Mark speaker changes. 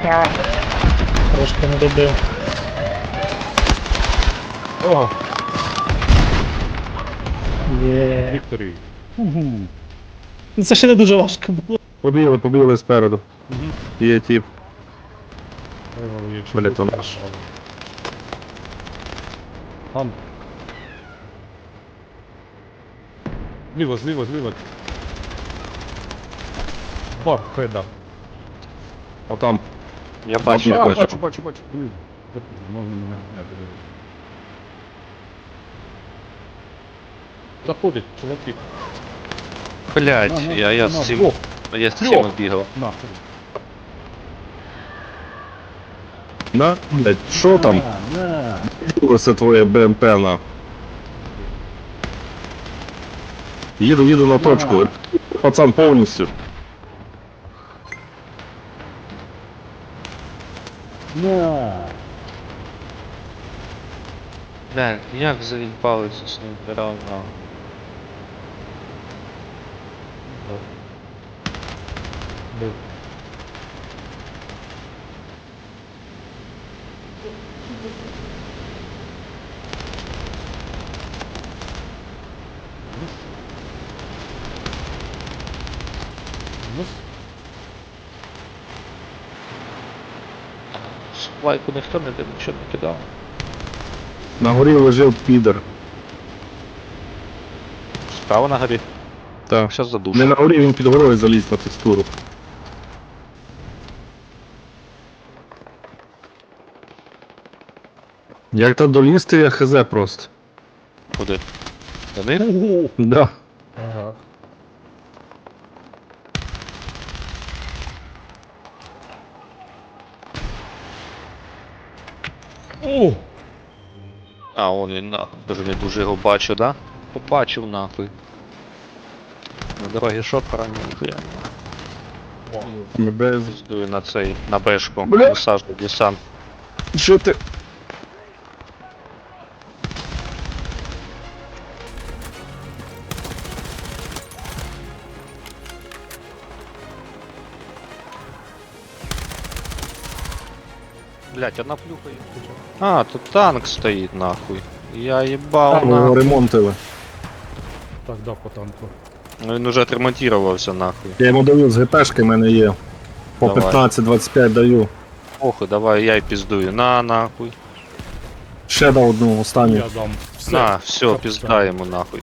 Speaker 1: Трошки не добив.
Speaker 2: О,
Speaker 1: Є.
Speaker 2: Вікторій.
Speaker 1: Ну це ще не дуже важко було.
Speaker 3: Побігли спереду. Є тип. Блядь, то наш.
Speaker 2: Там. Зліва. Бар, хеда.
Speaker 3: Отам.
Speaker 4: Я бачу.
Speaker 3: Я бачу.
Speaker 2: Бачу. Блін. Можна мене. Заходить, чоловік.
Speaker 4: Блять, я з цим. Я з цим бігав.
Speaker 2: Нахуй.
Speaker 3: На, блядь, що там? Це твоє БМП на. Їду на точку. Пацан повністю.
Speaker 4: Бля, як заїбалися з ним реально. Лайку ніхто не див, нічого не кидав.
Speaker 3: На горі лежав підер.
Speaker 4: Справа на горі.
Speaker 3: Так.
Speaker 4: Щас задушу.
Speaker 3: Не на горі, він під горою заліз на текстуру. Як та долізти, я хз просто.
Speaker 4: Куди? До них?
Speaker 3: Да.
Speaker 2: Ага. О!
Speaker 4: А, он він нахуй. Дуже не дуже його бачу, да? Побачив нахуй. На дорогі шопера ніхуя.
Speaker 3: Ми без...
Speaker 4: Піздую на цей, на бешку.
Speaker 3: Бля.
Speaker 4: Висаджу десант.
Speaker 3: Що ти?
Speaker 4: Блять, одна плюха є. А, тут танк стоїть нахуй. Я їбав
Speaker 3: Ми його
Speaker 4: нахуй.
Speaker 3: ремонтили.
Speaker 2: Так, да, по танку.
Speaker 4: Ну він уже отремонтувався нахуй.
Speaker 3: Я йому даю з ГПшки, в мене є. По
Speaker 4: Давай.
Speaker 3: 15-25 даю.
Speaker 4: Охуй, давай я й піздую. На нахуй.
Speaker 3: Ще дав одну останню.
Speaker 2: Я дам. Все.
Speaker 4: На, все,
Speaker 2: Капкан.
Speaker 4: піздаємо нахуй.